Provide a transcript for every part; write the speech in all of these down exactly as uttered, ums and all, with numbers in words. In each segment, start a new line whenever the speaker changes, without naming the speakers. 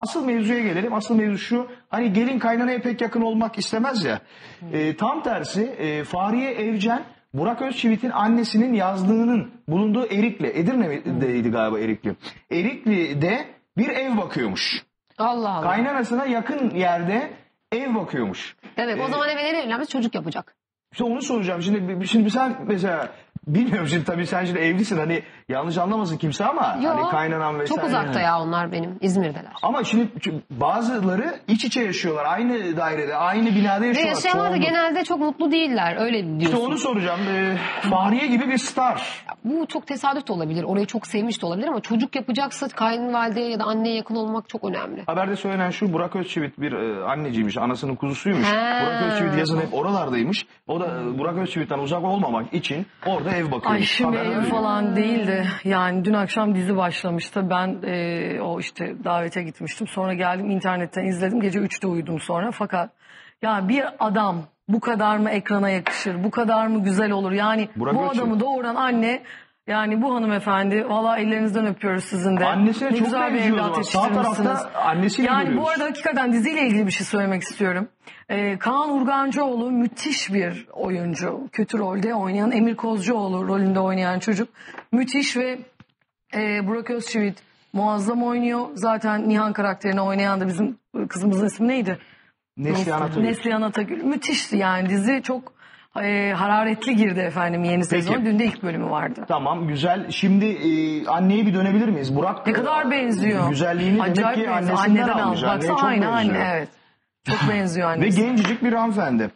Asıl mevzuya gelelim. Asıl mevzu şu. Hani gelin kaynanaya pek yakın olmak istemez ya. E, tam tersi e, Fahriye Evcen Burak Özçivit'in annesinin yazlığının bulunduğu Erikli. Edirne'deydi galiba Erikli. Erikli'de bir ev bakıyormuş.
Allah Allah.
Kaynanasına yakın yerde ev bakıyormuş.
Evet, o
Ee,
zaman evlenir evlenmez çocuk yapacak.
İşte onu soracağım. Şimdi, şimdi sen mesela bilmiyorum, şimdi tabii sen şimdi evlisin, hani yanlış anlamasın kimse ama
Yo,
hani kaynanan vesaire.
çok uzakta ya onlar benim. İzmir'deler.
Ama şimdi bazıları iç içe yaşıyorlar. Aynı dairede, aynı binada
Ve
yaşıyorlar.
yaşayanlar da
Çoğunluk.
genelde çok mutlu değiller. Öyle diyorsun.
İşte onu soracağım. Ee, Fahriye gibi bir star.
Bu çok tesadüf de olabilir. Orayı çok sevmiş de olabilir ama çocuk yapacaksa kayınvalideye ya da anneye yakın olmak çok önemli.
Haberde söylenen şu: Burak Özçivit bir e, anneciymiş, anasının kuzusuymuş.
He.
Burak Özçivit yazın hep oralardaymış. O da e, Burak Özçivit'ten uzak olmamak için orada ev bakıyormuş.
Ay şimdi
Haber
ev
öyle.
falan değil de yani dün akşam dizi başlamıştı. Ben e, o işte davete gitmiştim. Sonra geldim internetten izledim. Gece üçte uyudum sonra. Fakat ya bir adam bu kadar mı ekrana yakışır? Bu kadar mı güzel olur? Yani
Burak
bu
Özçivit.
adamı doğuran anne, yani bu hanımefendi, valla ellerinizden öpüyoruz sizin de.
Annesine
Ne
çok
güzel bir
benziyor o
evlat
zaman. Sağ
yetiştirmişsiniz.
tarafta annesiyle
Yani
görüyoruz.
bu arada hakikaten diziyle ilgili bir şey söylemek istiyorum. Ee, Kaan Urgancıoğlu müthiş bir oyuncu. Kötü rolde oynayan Emir Kozcuoğlu rolünde oynayan çocuk. Müthiş ve e, Burak Özçivit muazzam oynuyor. Zaten Nihan karakterini oynayan da bizim kızımızın ismi neydi?
Neslihan Atagül.
Neslihan Atagül. Müthişti yani, dizi çok e, hararetli girdi efendim yeni sezon. Dün de ilk bölümü vardı.
Tamam, güzel. Şimdi e, anneye bir dönebilir miyiz? Burak
Ne kadar benziyor.
güzelliğini
Acayip
demek ki
benziyor.
annesinden
Anneden
almış.
aldı.
Anneye
Baksana
çok
aynı
benziyor.
anne, evet. Çok benziyor
Ve
annesi.
gencecik bir hanımefendi.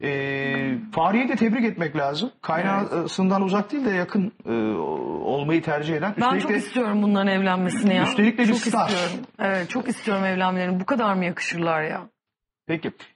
E, Fahriye'yi de tebrik etmek lazım. Kaynağısından uzak değil de yakın e, olmayı tercih eden.
Ben
Üstelik
çok
de,
istiyorum bunların evlenmesini ya.
Üstelik de bir
çok
star.
istiyorum. Evet, çok istiyorum evlenmelerini. Bu kadar mı yakışırlar ya?
Peki.